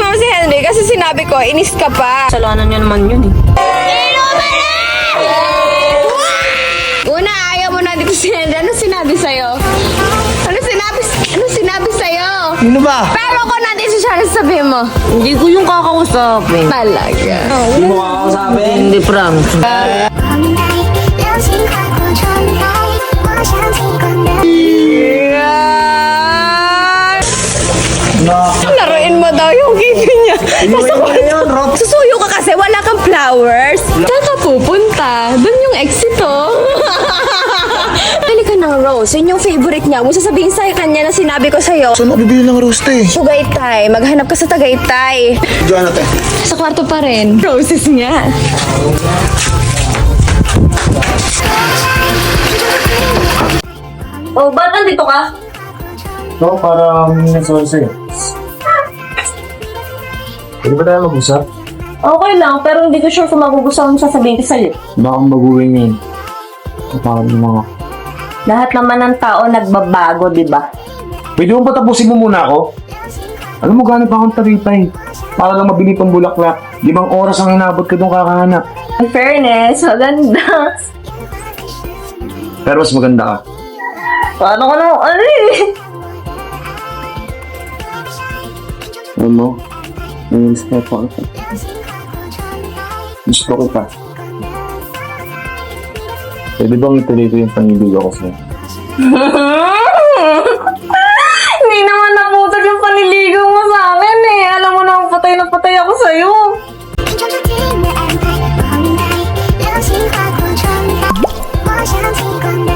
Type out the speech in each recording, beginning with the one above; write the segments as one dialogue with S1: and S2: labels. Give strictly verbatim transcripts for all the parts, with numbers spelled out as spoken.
S1: sumama si Henry kasi sinabi ko, inis ka pa.
S2: Kasalanan niya naman yun eh.
S1: Una, ayaw mo na dito si Henry. Ano sinabi sa'yo? Ano sinabi, ano sinabi sa'yo?
S3: Sino ba?
S1: Pero kung nandito siya, ano sabihin mo?
S2: Hindi ko yung kakausapin.
S1: Talaga.
S3: Hindi mo kakausapin?
S2: Hindi, promise.
S4: 流星划过窗台，我想起光的。
S1: Laruin mo daw yung kipi niya. Nasa
S3: yun, Rob.
S1: Susuyo ka kasi, wala kang flowers. Saan ka pupunta? Doon yung exit, oh. Pili ka ng rose. Yun yung favorite niya. Mo sasabihin sa kanya na sinabi ko sa'yo.
S3: Saan ako bibili ng roast eh?
S1: Tagaytay. Maghanap ka sa Tagaytay.
S3: Diyan natin.
S1: Sa kwarto pa rin. Roses nga.
S2: Oh, ba't nandito ka?
S3: No, para humingi ng sorry sa'yo. Pwede ba tayo mag-usap?
S2: Okay lang, pero hindi ko sure kung magugustuhan mo sasabihin ko sa'yo.
S3: Baka maguhin yun. Parang mga...
S2: Lahat naman ng tao nagbabago, di ba?
S3: Pwede mo patapusin mo muna ako? Alam mo, gano'n pa akong taripay. Para lang mabili pang bulaklak. Limang oras ang inabot ka doon kakahanap.
S2: In fairness, maganda.
S3: Pero mas maganda ka.
S2: Paano ko naman, ano eh?
S3: Alam mo, nangyinis ko ako. Gusto ko kita. Pwede bang ituloy ko yung pangibig ako sa'yo?
S2: Hindi naman naputol yung paniligaw mo sa akin eh. Alam mo na, patay na patay ako sa'yo.
S4: 拼凑出甜的安排，光明白，流星划过窗台，我想起光的。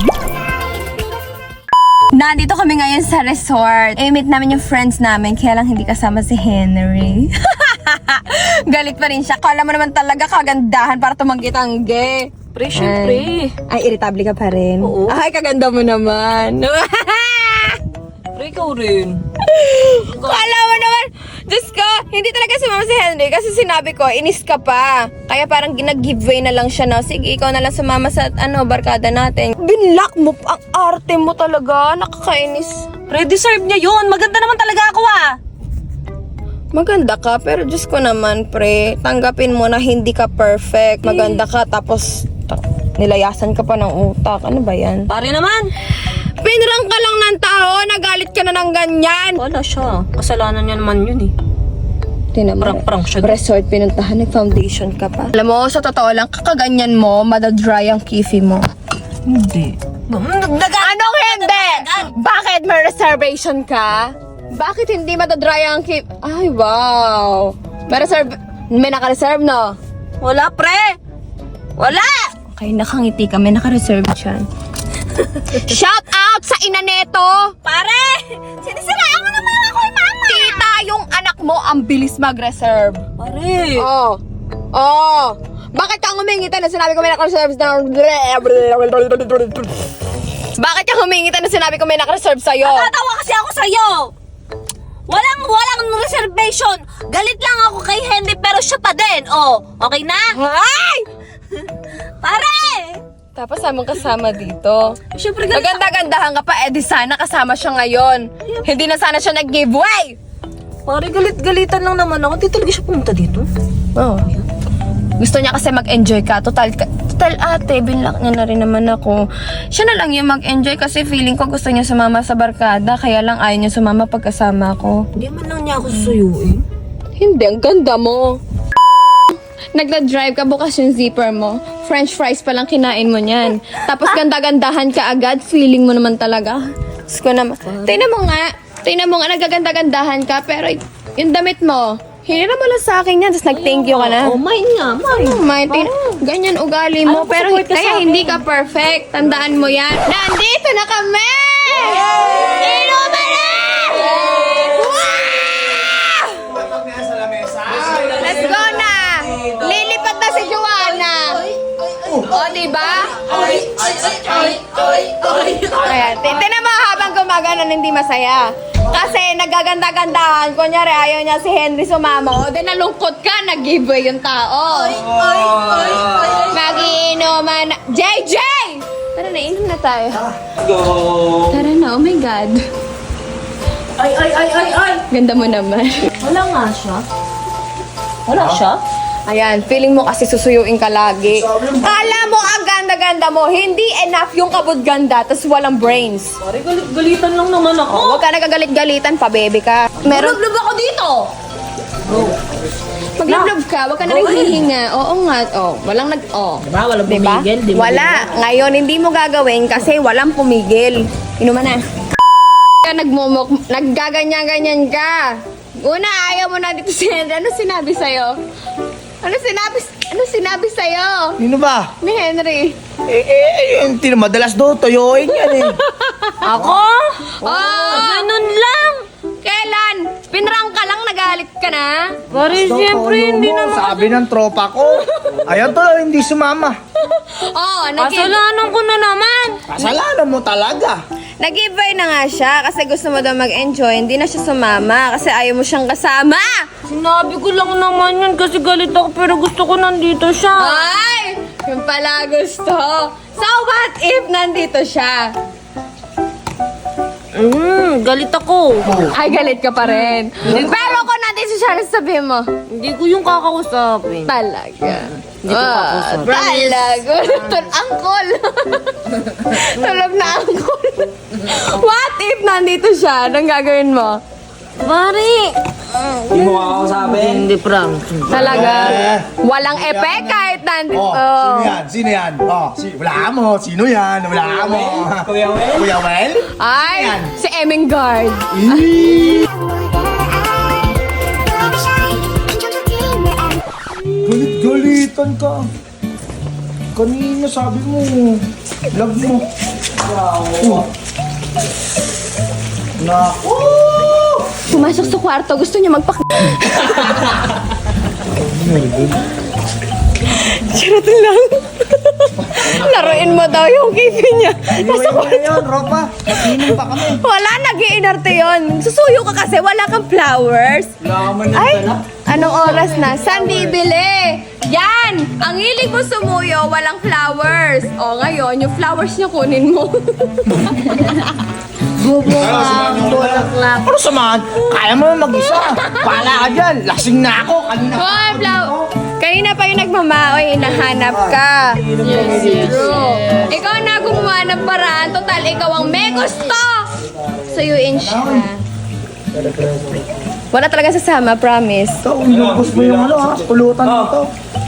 S1: Nandito kami ngayon sa resort. I-meet namin yung friends namin, kaya lang hindi kasama si Henry. Galit pa rin siya. Kala mo naman talaga kagandahan para tumanggi-tanggi.
S2: Pre, syempre.
S1: Ay, irritable ka pa rin.
S2: Oo.
S1: Ay, kaganda mo naman.
S2: Pre, ikaw rin.
S1: Kala mo naman, Diyos ko, hindi talaga sumama si Henry kasi sinabi ko, inis ka pa. Kaya parang ginag-giveaway na lang siya na, sige, ikaw na lang sumama sa ano, barkada natin. Binlock mo, ang arte mo talaga, nakakainis.
S2: Pre, deserve niya yun. Maganda naman talaga ako ah.
S1: Maganda ka, pero Diyos ko naman, pre, tanggapin mo na hindi ka perfect. Maganda ka, tapos ta- nilayasan ka pa ng utak. Ano ba yan?
S2: Pare naman.
S1: Pinrang ka lang ng tao, nagalit ka na ng ganyan.
S2: Wala siya. Kasalanan niya naman yun eh.
S1: Tinama.
S2: Prank-prank siya.
S1: Resort pinuntahan, nag-foundation ka pa. Alam mo, sa totoo lang, kakaganyan mo, madadry ang kifi mo.
S2: Hindi.
S1: Anong hindi? Bakit may reservation ka? Bakit hindi madadry ang kifi? Ay, wow. May reserve, may naka-reserve, no?
S2: Wala, pre. Wala.
S1: Okay, nakangiti ka, may naka-reserve siya. Shout out sa ina neto!
S2: Pare! Sinisiraan mo naman ako kay mama!
S1: Tita, yung anak mo ang bilis mag-reserve.
S2: Pare!
S1: Oh. Oh. Bakit kang humingitan na sinabi ko may naka-reserve na... Bakit kang humingitan na sinabi ko may naka-reserve sa'yo?
S2: Natatawa kasi ako sa'yo! Walang, walang reservation! Galit lang ako kay Henry pero siya pa din! Oh, okay na?
S1: Ay!
S2: Pare!
S1: Tapos samang kasama dito.
S2: Siyempre galit ako.
S1: Maganda-gandahan ka pa, eh di sana kasama siya ngayon. Hindi na sana siya nag-giveaway.
S2: Pare, galit-galitan lang naman ako. Di talaga siya pumunta dito.
S1: Oh. Gusto niya kasi mag-enjoy ka. Total, total ate, binlock niya na rin naman ako. Siya na lang yung mag-enjoy kasi feeling ko gusto niya sumama sa barkada. Kaya lang ayaw niya sumama pagkasama ko.
S2: Hindi man lang niya ako susuyuin.
S1: Hindi, ang ganda mo. Nagda-drive ka, bukas yung zipper mo. French fries pa lang kinain mo niyan. Tapos ganda-gandahan ka agad, feeling mo naman talaga. Diyos ko naman. Tingnan mo nga, tingnan mo nga, nagaganda-gandahan ka, pero yung damit mo, hinira mo lang sa akin yan, tapos nag-thank you ka na.
S2: Oh, mine nga, mine.
S1: Oh, my, tin- ganyan ugali mo,
S2: Alam ko,
S1: pero
S2: support ka
S1: kaya
S2: sa akin.
S1: hindi ka perfect. Tandaan mo yan. Nandito na kami! Inuman na! Let's go na! Lilipat na si Joanna! O, diba? Kaya, tinan mo habang gumagana hindi masaya. Kasi nagaganda-gandahan. Kunyari, ayaw niya si Henry sumama. O, di nalungkot ka, nag-giveaway yung tao. Mag-iinuman na. J J! Tara na, inom na tayo.
S3: Go!
S1: Tara na, oh my God.
S2: Ay, ay, ay, ay, ay!
S1: Ganda mo naman.
S2: Wala nga siya. Wala siya?
S1: Ayan, feeling mo kasi susuyuin ka lagi. Kala mo ang ganda-ganda mo, hindi enough yung kabod-ganda, tas walang brains.
S2: Pare, galit-galitan lang naman ako.
S1: Oh, huwag ka nagagalit-galitan, pabebe ka. Meron,
S2: Lub ako dito!
S1: maglublob ka, huwag ka na rin hihinga. Oo nga, oh, walang nag, oh.
S2: Diba? Walang
S1: Diba?
S2: pumigil. Di ba?
S1: Wala. Ngayon, hindi mo gagawin kasi walang pumigil. Inuman na. Ka nagmumuk, naggaganyan-ganyan ka. Una, ayaw mo na dito si Henry. Ano sinabi sa'yo? Ano sinabi, ano sinabi sa'yo?
S5: Sino ba?
S1: Ni Henry.
S5: Eh, eh, eh, yung tin- madalas daw, toyoin yan eh.
S2: Ako?
S1: Oh,
S2: Ganun lang!
S1: kailan? Pinrang ka lang, nagalit ka na?
S2: Pare, siyempre, hindi
S5: mo,
S2: naman.
S5: Sabi ng tropa ko. Ayan to, hindi sumama.
S1: Oo, oh, nag-
S2: Kasalanan ko na naman.
S5: Kasalanan mo talaga.
S1: nag-give-away na nga siya kasi gusto mo daw mag-enjoy. Hindi na siya sumama kasi ayaw mo siyang kasama.
S2: Sinabi ko lang naman yun kasi galit ako pero gusto ko nandito siya.
S1: Ay! Yung pala gusto. So what if nandito siya?
S2: Mm, galit ako.
S1: Ay, galit ka pa rin. Pero kung nandito siya, ano sabihin mo?
S2: Hindi ko yung kakausapin.
S1: Talaga.
S2: Hindi ko
S1: Ah,
S2: kakausap.
S1: talaga. Tul- angkol. Tulog na angkol. What if nandito siya? Anong gagawin mo?
S2: Pare!
S6: Hindi mo kakausapin?
S2: Hindi, prank.
S1: Talaga? Walang epek kahit nandito.
S5: Oh, sino yan? Sino yan? Oh, si wala mo. Sino yan? Wala mo.
S6: Kuya Wel?
S5: Kuya Wel?
S1: Ay,
S5: Yan.
S1: si Emingard.
S5: Galit-galitan ka. Kanina sabi mo, love mo. Oh. Naku!
S1: Pumasok sa kwarto, gusto niya magpak... Charot lang. Laruin mo daw yung kipi niya. Nasa
S5: Inuwi mo na yun, Ropa. Inom pa kami.
S1: Wala, nag-iinarte yun. Susuyo ka kasi, wala kang flowers. Ay, anong oras na? Saan bibili? Yan! Ang hilig mo sumuyo, walang flowers. O ngayon, yung flowers niya kunin mo.
S2: Bubukang bulaklak.
S5: Ano samahan? Kaya mo mag-isa. Pala ka dyan. Lasing na ako. Kanina pa.
S1: Hoy, flower. Kanina pa yung nagmamaoy, hinahanap ka.
S2: Yes, yes,
S1: True.
S2: yes.
S1: Ikaw na gumawa ng paraan. Total, ikaw ang may gusto. Suyuin siya. Wala talaga sasama, promise.
S5: Ito, inubos mo yung ano ha. Pulutan mo to.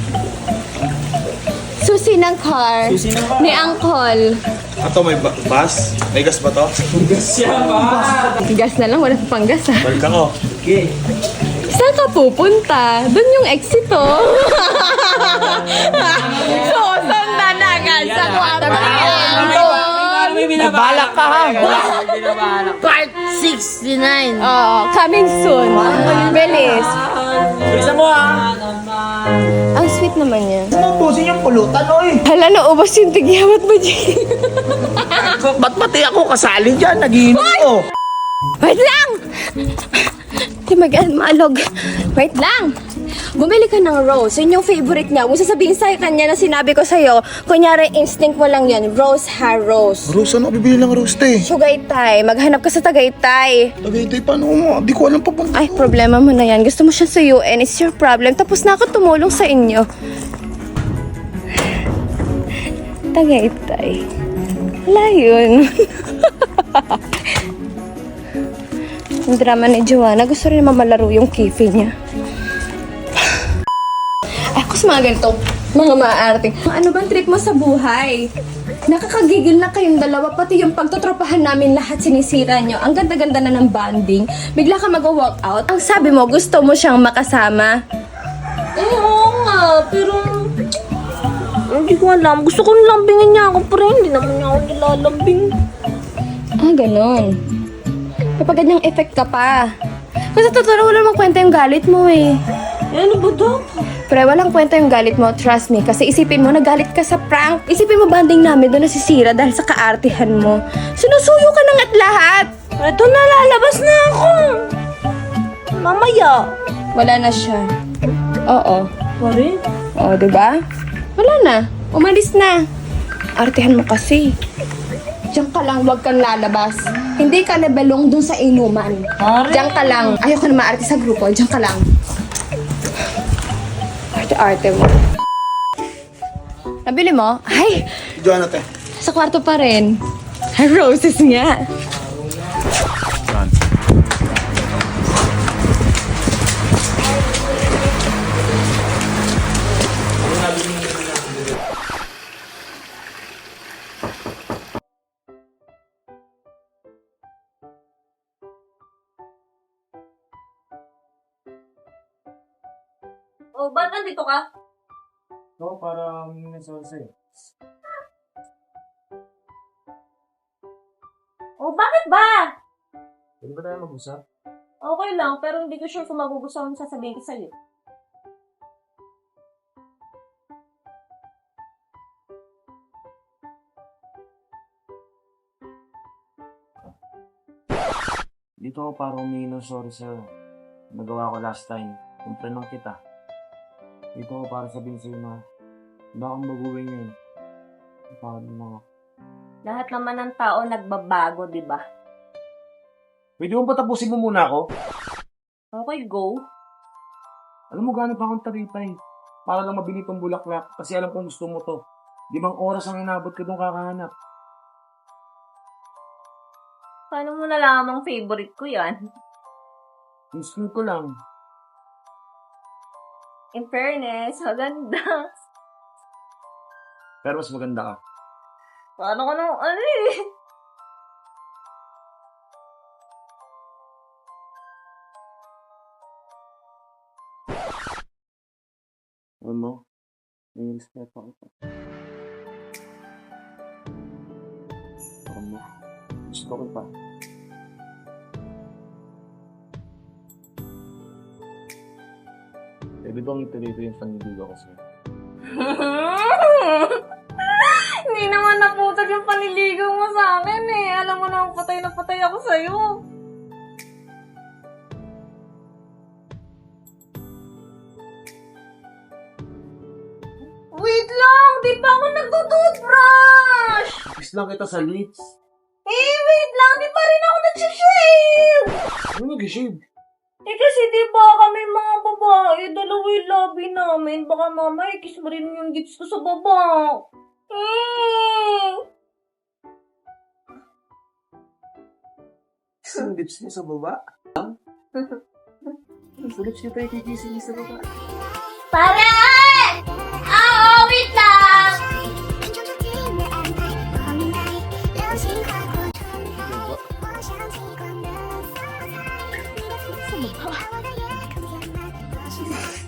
S1: Susi ng car
S6: Susi ng car.
S1: ni Uncle.
S7: Ato, may ba- bus? May gas ba to?
S6: Siya ba?
S1: Gas na lang, wala pa pang gas ha.
S7: Balik ako.
S6: Okay.
S1: Saan ka pupunta? Doon yung exit oh. So, sundan na agad sa kwarto.
S6: May binabalak.
S5: Balak ka ha.
S6: May binabalak.
S2: Part sixty-nine.
S1: Oo, coming soon. Bilis.
S6: Bisa mo ah.
S1: Ang sweet naman niya.
S5: Ubusin yung pulutan, oy.
S1: Hala, naubos yung tigyawat mo dyan.
S5: Ba't pati ako kasali dyan? Nagiinom ko.
S1: Wait lang! Di mag maalog. Wait lang! Bumili ka ng rose. Yun yung favorite niya. Kung sasabihin sa kanya na sinabi ko sa'yo, kunyari instinct mo lang yan. Rose hair rose.
S5: Rose, ano bibili ng rose, te?
S1: Sugaytay. Maghanap ka sa Tagaytay.
S5: Tagaytay, paano mo? Di ko alam pa bang...
S1: Ay, problema mo na yan. Gusto mo siya sa U N. It's your problem. Tapos na ako tumulong sa inyo. Tagaytay. Wala yun. Yung drama ni Joanna, gusto rin naman malaro yung kifi niya. Ay, ako sa mga ganito, mga maarting. Ano bang trip mo sa buhay? Nakakagigil na kayong dalawa, pati yung pagtotropahan namin lahat sinisira nyo. Ang ganda-ganda na ng bonding. Bigla ka mag-walk out. Ang sabi mo, gusto mo siyang makasama.
S2: Eh, oo nga, pero... Hindi ko alam. Gusto ko nilambingin niya ako, pero hindi naman niya ako nilalambing.
S1: Ah, ganon. Kapag ganyang effect ka pa. Kasi totoo, wala namang kwenta yung galit mo eh.
S2: Eh, ano ba daw?
S1: Pre, walang kwenta yung galit mo, trust me. Kasi isipin mo, nagalit ka sa prank. Isipin mo, banding namin doon nasisira dahil sa kaartihan mo. Sinusuyo ka na nga't lahat.
S2: Eto na, lalabas na ako. Mamaya.
S1: Wala na siya. Oo.
S2: Pare?
S1: Oo, diba? Wala na. Umalis na. Artihan mo kasi. Diyan ka lang, huwag kang lalabas. Hindi ka na belong dun sa inuman. Diyan ka lang. Ayoko na maarte sa grupo. Diyan ka lang. Arte-arte mo. Nabili mo? Ay,
S7: Diyan natin.
S1: sa kwarto pa rin. Roses nga.
S2: O, ba't nandito ka?
S3: No, para may sa'yo.
S2: O, bakit ba?
S3: Pwede ba tayo mag-usap?
S2: Okay lang, pero hindi ko sure kung magugustuhan mo sasabihin ko sa'yo.
S3: Dito ako para humingi ng sorry sa'yo. Nagawa ko last time. Kumprenong kita. Dito ako para sabihin sa'yo na baka baguhin ngayon. Paano na ako?
S2: Lahat naman ng tao nagbabago, di ba?
S3: Pwede mo ba tapusin mo muna ako?
S2: Okay, go.
S3: Alam mo, gano'n pa akong taripay. Para lang mabili tong bulaklak. Kasi alam kong gusto mo to. Limang oras ang inabot ko doon kakahanap.
S2: Paano mo nalamang favorite ko yan?
S3: Instinct ko lang.
S2: In fairness, maganda.
S3: Pero mas maganda ka.
S2: Paano ka nang, ano eh?
S3: Alam mo, may respeto ako. Alam mo, gusto ko pa. Pwede bang ituloy ko yung paniligaw ko sa'yo?
S2: Hindi naman naputag yung paniligaw mo sa akin eh. Alam mo na, patay na patay ako sa'yo. Wait lang! Di pa ako nagtutoothbrush!
S3: Kiss lang kita sa lips.
S2: Eh, wait lang! Di pa rin ako nagsishave!
S3: Ano nag-shave?
S2: Eh kasi di ba kami mga babae, dalawa yung labi namin. Baka mama, ikis mo rin yung lips ko sa baba. Mm.
S3: Ang lips niya sa baba? Ang lips niya pa ikikising niya sa baba.
S2: Pare! Ah, oh, wait lang!
S4: 命中注定的安排，我明白，流星划过窗台，我像极光的色彩，你的肤色，和我的夜空填满，我是。